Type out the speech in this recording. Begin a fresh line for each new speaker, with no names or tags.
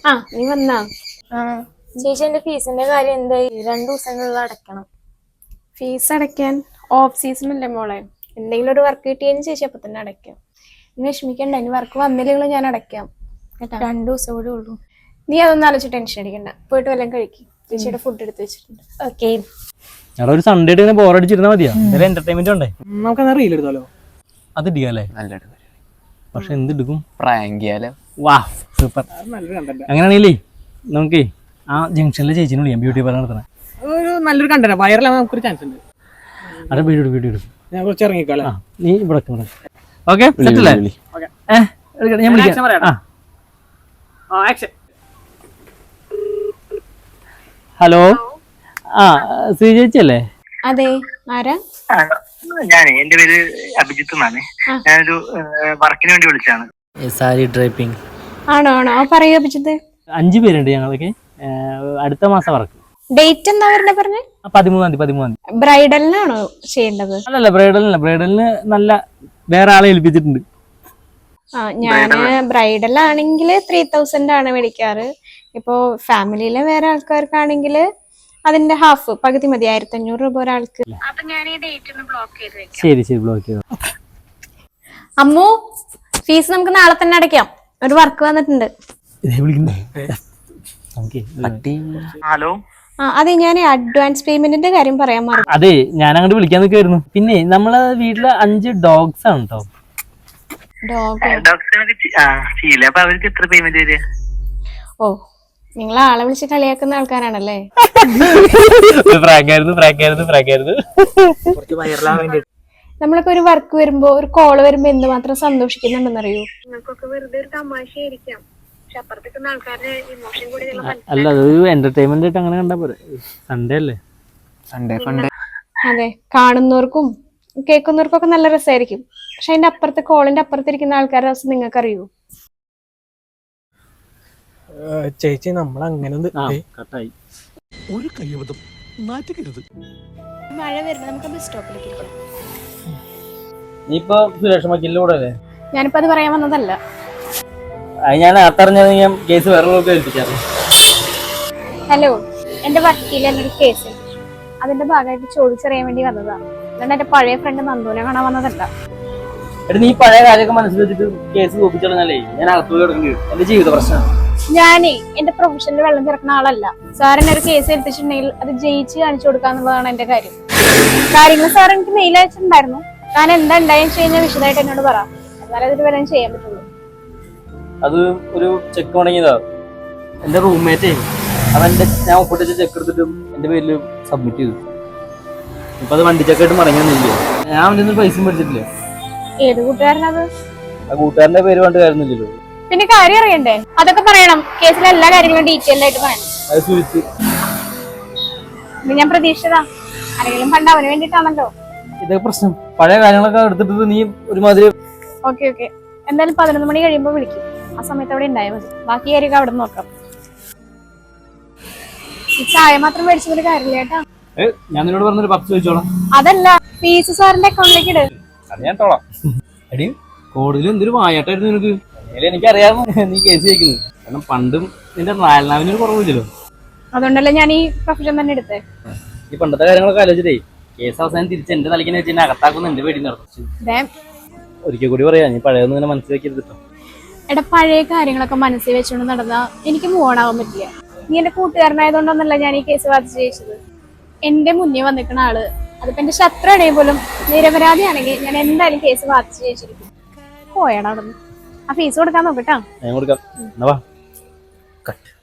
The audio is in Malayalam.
നീ വന്നാ?
ചേച്ചി എന്റെ ഫീസിന്റെ കാര്യം എന്തായി? 2 ദിവസങ്ങളിൽ അടയ്ക്കണം.
ഫീസ് അടയ്ക്കാൻ ഓഫ് സീസൺ അല്ലേ മോളെ? എന്തെങ്കിലും ഒരു വർക്ക് കിട്ടിയതിന് ചേച്ചി അപ്പൊ തന്നെ അടയ്ക്കാം. നീ വിഷമിക്കണ്ട, ഇനി വർക്ക് വന്നില്ലെങ്കിലും ഞാൻ അടയ്ക്കാം കേട്ടാ.
2 ദിവസം കൂടെ ഉള്ളൂ.
നീ അതൊന്നും ആലോചിച്ച് ടെൻഷൻ അടിക്കണ്ട. പോയിട്ട് വല്ലതും കഴിക്കും. ചേച്ചിയുടെ ഫുഡ് എടുത്ത് വെച്ചിട്ടുണ്ട്.
ഓക്കെ.
ഒരു സൺഡേ ഇങ്ങനെ ബോറടിച്ചിരുന്നാ മതിയാ? എന്റർടൈൻമെന്റ് ഉണ്ടേ.
നമുക്ക് റീൽ എടുത്താലോ?
അത് ഇടിക്കാല്ലേ? പക്ഷെ എന്തെടുക്കും?
പ്രാങ്ക്
വാ സൂപ്പർ. അങ്ങനെയാണെങ്കിലേ നമുക്കേ ആ ജംഗ്ഷനിലെ ചേച്ചിനെ വിളിക്കാം, ബ്യൂട്ടി പാർലർ നടത്തണേ.
ഒരു നല്ലൊരു കണ്ടന്റ് വൈറലാവാൻ നമുക്കൊരു ചാൻസ് ഉണ്ട്.
അവിടെ വീഡിയോ എടുക്കും.
ഞാൻ കുറച്ച് ഇറങ്ങിക്കോളാം.
നീ ഇവിടെ ഓക്കെ സെറ്റല്ലേ? ഞാൻ വിളിക്കാം. ഹലോ, ശ്രീ ചേച്ചി അല്ലേ?
അതെ, ആരാ?
ഞാനേ എന്റെ പേര് അഭിജിത്ത് എന്നാണ്. ഞാനൊരു വർക്കിന് വേണ്ടി വിളിച്ചാണ്.
സാരി ഡ്രൈപ്പിംഗ്
ആണോ? പറയൂ അഭിജിത്ത്.
5 പേരുണ്ട് ഞങ്ങളൊക്കെ. അടുത്ത മാസം വർക്ക്.
ഡേറ്റ് എന്താ പറഞ്ഞേ?
13-ാം തീയതി.
ബ്രൈഡലിനാണോ ചെയ്യേണ്ടത്?
അല്ലല്ല, ബ്രൈഡലിന് നല്ല വേറെ ആളെ ഏൽപ്പിച്ചിട്ടുണ്ട്.
ഞാന് ബ്രൈഡൽ ആണെങ്കിൽ 3000 ആണ് മേടിക്കാറ്. ഇപ്പോ ഫാമിലിയിലെ വേറെ ആൾക്കാർക്കാണെങ്കിൽ അതിന്റെ ഹാഫ്, പകുതി മതി. 1500 രൂപ ഒരാൾക്ക്.
ശരി ബ്ലോക്ക് ചെയ്തു.
അമ്മു, ഫീസ് നമുക്ക് നാളെ തന്നെ അടയ്ക്കാം. ഒരു വർക്ക് വന്നിട്ടുണ്ട്.
ഹലോ.
അതെ, ഞാൻ അഡ്വാൻസ് പേയ്മെന്റിന്റെ കാര്യം പറയാൻ മറന്നു.
അതെ, ഞാൻ അങ്ങോട്ട് വിളിക്കാൻ നിൽക്കായിരുന്നു. പിന്നെ നമ്മളെ വീട്ടില് 5 ഡോഗ്സ് ആണ് കേട്ടോ.
ചെയ്യില്ല. അപ്പൊ അവർക്ക് എത്ര പേയ്മെന്റ് വരിക?
ഓ, നിങ്ങൾ ആളെ വിളിച്ച് കളിയാക്കുന്ന ആൾക്കാരാണല്ലേ? നമ്മളിപ്പോ ഒരു വർക്ക് വരുമ്പോ, ഒരു കോള് വരുമ്പോ എന്തുമാത്രം സന്തോഷിക്കുന്നുണ്ടെന്നറിയോ? നിങ്ങൾക്കൊക്കെ വെറുതെ ഒരു തമാശയായിരിക്കാം, പക്ഷെ അപ്പുറത്തേക്കുന്ന ആൾക്കാരുടെ ഇമോഷൻ കൂടി.
അല്ല, അതൊരു എന്റർടൈൻമെന്റ് ആയിട്ട് അങ്ങനെ കണ്ടാ പോരെ. സൺഡേ അല്ലേ?
Sunday funday.
അതെ, കാണുന്നവർക്കും കേൾക്കുന്നവർക്കും ഒക്കെ നല്ല രസമായിരിക്കും. പക്ഷെ അതിന്റെ അപ്പുറത്തെ, കോളിന്റെ അപ്പുറത്തിരിക്കുന്ന ആൾക്കാരുടെ അവസ്ഥ നിങ്ങൾക്ക് അറിയൂ?
ചേച്ചി, നമ്മൾ അങ്ങനെ
ഒരു കയ്യബദ്ധം നാറ്റുകരുത്.
മഴ വരുന്നത് നമുക്ക് ബസ് സ്റ്റോപ്പിലേക്ക്.
നീയിപ്പോ സുരേഷ് വക്കീലിന്റെ അല്ലേ?
ഞാനിപ്പോ അത് പറയാൻ വന്നതല്ല.
ഞാൻ അറിഞ്ഞത് ഞാൻ കേസ് വേറെ ഏൽപ്പിക്കാറ്.
ഹലോ, എന്റെ വക്കീൽ എന്നൊരു കേസ് അതിന്റെ ഭാഗമായിട്ട് ചോദിച്ചറിയാൻ വേണ്ടി വന്നതാണ്. അതുകൊണ്ട് എന്റെ പഴയ ഫ്രണ്ട് നന്ദുവിനെ കാണാൻ വന്നതല്ല.
നീ പഴയ കാര്യമൊക്കെ മനസ്സിൽ വെച്ചിട്ട് കേസ് തോപ്പിച്ചാലേ ഞാൻ അകത്തു കിടക്കേണ്ടി വരും. എന്റെ ജീവിത പ്രശ്നം.
ഞാനേ എന്റെ പ്രൊഫഷനിൽ വെള്ളം ചേർക്കുന്ന ആളല്ല. സാറിന് ഒരു കേസ് ഏൽപ്പിച്ചിട്ടുണ്ടെങ്കിൽ അത് ജയിച്ച് കാണിച്ചു കൊടുക്കാന്നുള്ളതാണ് എന്റെ കാര്യം. കാര്യങ്ങൾ സാർ എനിക്ക് മെയിൽ അയച്ചിട്ടുണ്ടായിരുന്നു. താൻ എന്താ ഉണ്ടായെന്ന് വെച്ച് കഴിഞ്ഞാൽ വിശദമായിട്ട് എന്നോട് പറ. എന്നാലും അതിന് വരാൻ ചെയ്യാൻ പറ്റുള്ളൂ.
അത് ഒരു ചെക്ക് തുടങ്ങിയതാ. എന്റെ റൂംമേറ്റേ അവന്റെ ഞാൻ ഒപ്പിട്ടിച്ച് ചെക്ക് എടുത്തിട്ട് എന്റെ പേരിൽ സബ്മിറ്റ് ചെയ്തു. ഇപ്പൊ അത് വണ്ടി ചെക്കായിട്ട് മടങ്ങിയൊന്നുമില്ല. ഞാൻ അവന്റെ പൈസ മേടിച്ചിട്ടില്ല.
ഏത് കൂട്ടുകാരനത്?
ആ കൂട്ടുകാരന്റെ പേര് കൊണ്ട് കാര്യമൊന്നുമില്ലല്ലോ.
പിന്നെ കാര്യം അറിയണ്ടേ? അതൊക്കെ പറയണം. കേസിലെ എല്ലാ കാര്യങ്ങളും ഡീറ്റെയിൽ ആയിട്ട് പറയണം. ഞാൻ പ്രതീക്ഷിച്ചതാ. ആരെങ്കിലും പണ്ട് അവന് വേണ്ടിട്ടാണല്ലോ
ഇതൊക്കെ പ്രശ്നം. പഴയ കാര്യങ്ങളൊക്കെ എടുത്തിട്ട് നീ ഒരുമാതിരി.
ഓക്കെ, എന്തായാലും 11 മണി കഴിയുമ്പോ വിളിക്കും. ആ സമയത്ത് അവിടെ ഉണ്ടായാൽ മതി. ബാക്കി കാര്യമൊക്കെ അവിടെ നോക്കാം. ഈ ചായ മാത്രം മേടിച്ചൊരു കാര്യമില്ല കേട്ടാ.
ഞാൻ നിന്നോട് പറഞ്ഞൊരു 10 ചോദിച്ചോളാം.
അതല്ല, ഫീസ് സാറിന്റെ അക്കൗണ്ടിലേക്ക് ഇട്.
അത് ഞാൻ തോളാം. എടി, കോടതിയിൽ എന്തൊരു വായാട്ടായിരുന്നു നിനക്ക്. എനിക്കറിയാമോ നീ കേസ് ജയിക്കുന്നത്. കാരണം പണ്ടും നിന്റെ നാലിനാവിനൊരു കുറവില്ലല്ലോ.
അതുകൊണ്ടല്ലേ ഞാൻ ഈ പ്രൊഫഷൻ തന്നെ എടുത്തേ.
ഈ പണ്ടത്തെ കാര്യങ്ങളൊക്കെ ആലോചിച്ചിട്ടേ കേസ് അവസാനം തിരിച്ച് എന്റെ തലക്കിനെ വെച്ച് എന്നെ അകത്താക്കുന്ന എന്റെ പേടി നടത്തും. ഒരിക്കൽ കൂടി പറയാ, നീ പഴയൊന്നും ഇങ്ങനെ മനസ്സിലാക്കിയത്.
എടാ, പഴയ കാര്യങ്ങളൊക്കെ മനസ്സിൽ വെച്ചുകൊണ്ട് നടന്നാ എനിക്ക് മൂവ് ഓൺ ആവാൻ പറ്റില്ല. നീ എന്റെ കൂട്ടുകാരനായതുകൊണ്ടൊന്നല്ല ഞാൻ ഈ കേസ് വാദിച്ച് ജയിച്ചത്. എന്റെ മുന്നേ വന്നിക്കുന്ന ആള്, അതിപ്പോ എന്റെ ശത്രുവാണെങ്കിൽ പോലും നിരപരാധിയാണെങ്കിൽ ഞാൻ എന്തായാലും കേസ് വാദിച്ച് ജയിച്ചിരിക്കും. പോയടാ അവിടെ നിന്ന്. ആ ഫീസ് കൊടുക്കാൻ നോക്കട്ടാ.
ഞാൻ കൊടുക്കാം.